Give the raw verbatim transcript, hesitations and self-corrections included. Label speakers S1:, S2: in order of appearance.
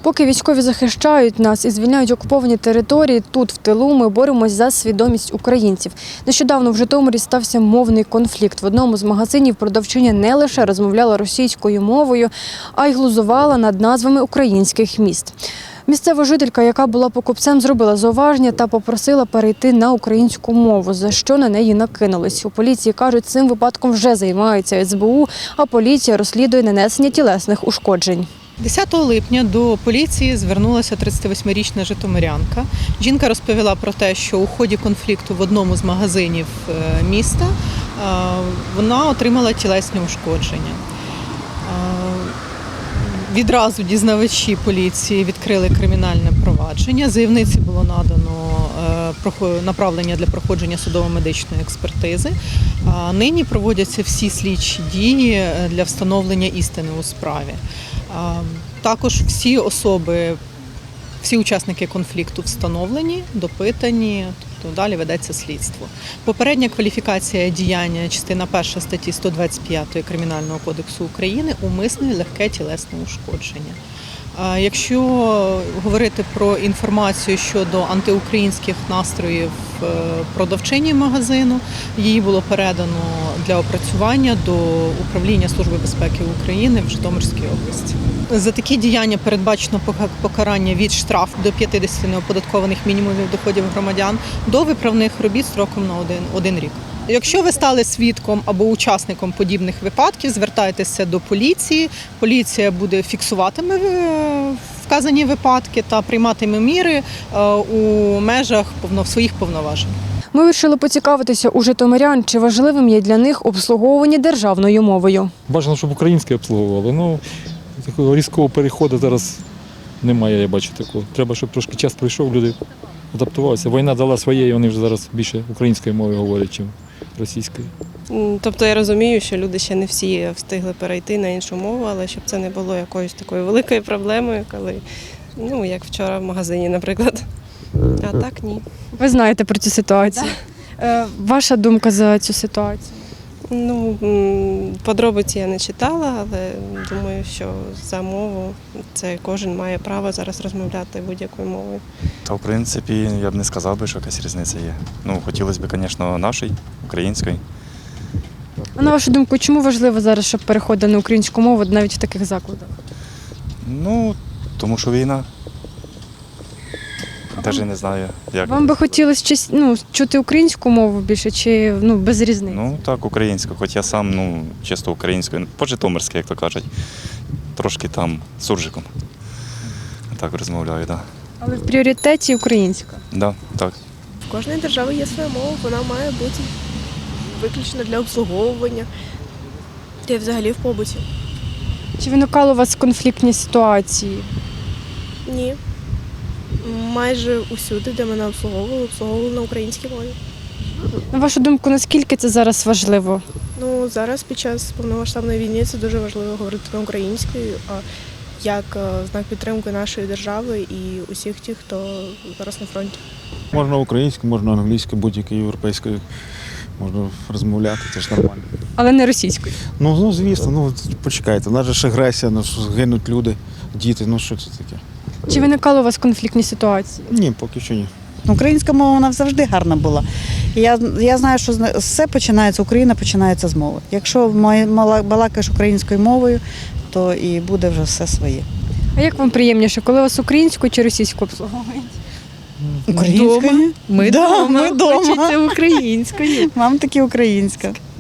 S1: Поки військові захищають нас і звільняють окуповані території, тут, в тилу, ми боремось за свідомість українців. Нещодавно в Житомирі стався мовний конфлікт. В одному з магазинів продавчиня не лише розмовляла російською мовою, а й глузувала над назвами українських міст. Місцева жителька, яка була покупцем, зробила зауваження та попросила перейти на українську мову, за що на неї накинулись. У поліції кажуть, цим випадком вже займається ес бе у, а поліція розслідує нанесення тілесних ушкоджень.
S2: десятого липня до поліції звернулася тридцятивосьмирічна житомирянка. Жінка розповіла про те, що у ході конфлікту в одному з магазинів міста вона отримала тілесні ушкодження. Відразу дізнавачі поліції відкрили кримінальне провадження. Заявниці було надано направлення для проходження судово-медичної експертизи. Нині проводяться всі слідчі дії для встановлення істини у справі. Також всі особи, всі учасники конфлікту встановлені, допитані, тобто далі ведеться слідство. Попередня кваліфікація діяння, частина перша статті сто двадцять п'ять Кримінального кодексу України – умисне легке тілесне ушкодження. Якщо говорити про інформацію щодо антиукраїнських настроїв продавчині магазину, її було передано для опрацювання до Управління Служби безпеки України в Житомирській області. За такі діяння передбачено покарання від штрафу до п'ятдесят неоподаткованих мінімумів доходів громадян до виправних робіт строком на один, один рік. Якщо ви стали свідком або учасником подібних випадків, звертайтеся до поліції. Поліція буде фіксуватиме вказані випадки та прийматиме міри у межах своїх повноважень.
S1: Ми вирішили поцікавитися у житомирян, чи важливим є для них обслуговування державною мовою.
S3: Бажано, щоб українське обслуговували. Ну, такого різкого переходу зараз немає, я бачу такого. Треба, щоб трошки час пройшов, люди адаптувалися. Війна дала своє, і вони вже зараз більше українською мовою говорять, ніж російською.
S4: Тобто я розумію, що люди ще не всі встигли перейти на іншу мову, але щоб це не було якоюсь такою великою проблемою, коли, ну, як вчора в магазині, наприклад. А так ні.
S1: Ви знаєте про цю ситуацію. Да. Ваша думка за цю ситуацію?
S4: Ну, подробиці я не читала, але думаю, що за мову це кожен має право зараз розмовляти будь-якою мовою.
S5: Та, в принципі, я б не сказав би, що якась різниця є. Ну, хотілося б, звісно, нашої, української.
S1: А на вашу думку, чому важливо зараз, щоб переходили на українську мову навіть в таких закладах?
S5: Ну, тому що війна. Навіть не знаю, як.
S1: Вам би хотілося ну, чути українську мову більше чи ну, без різниці?
S5: Ну, так, українську, хоч я сам, ну, чисто українською, по-житомирськи, як то кажуть, трошки там суржиком. Так розмовляю, так. Да.
S1: Але в пріоритеті українська?
S5: Да, так.
S6: В кожної держави є своя мова, вона має бути виключно для обслуговування та й взагалі в побуті.
S1: Чи виникали у вас конфліктні ситуації?
S6: Ні. Майже усюди, де мене обслуговували, обслуговували на українській мові.
S1: На вашу думку, наскільки це зараз важливо?
S6: Ну, зараз під час повномасштабної війни це дуже важливо говорити на українською, а як знак підтримки нашої держави і усіх тих, хто зараз на фронті.
S7: Можна українською, можна англійською, будь-якою європейською. Можна розмовляти, це ж нормально.
S1: Але не російською?
S7: Ну, ну звісно, ну почекайте, у нас же ж агресія, ну, гинуть люди, діти, ну що це таке?
S1: Чи виникали у вас конфліктні ситуації?
S7: Ні, поки що ні.
S8: Українська мова, вона завжди гарна була. Я, я знаю, що все починається, Україна починається з мови. Якщо балакаєш українською мовою, то і буде вже все своє.
S1: А як вам приємніше, коли вас українською чи російською обслуговують?
S8: Українською?
S4: Ми
S8: да,
S4: дома,
S8: ми дома.
S4: Хочеться українською.
S8: Мам таки українська.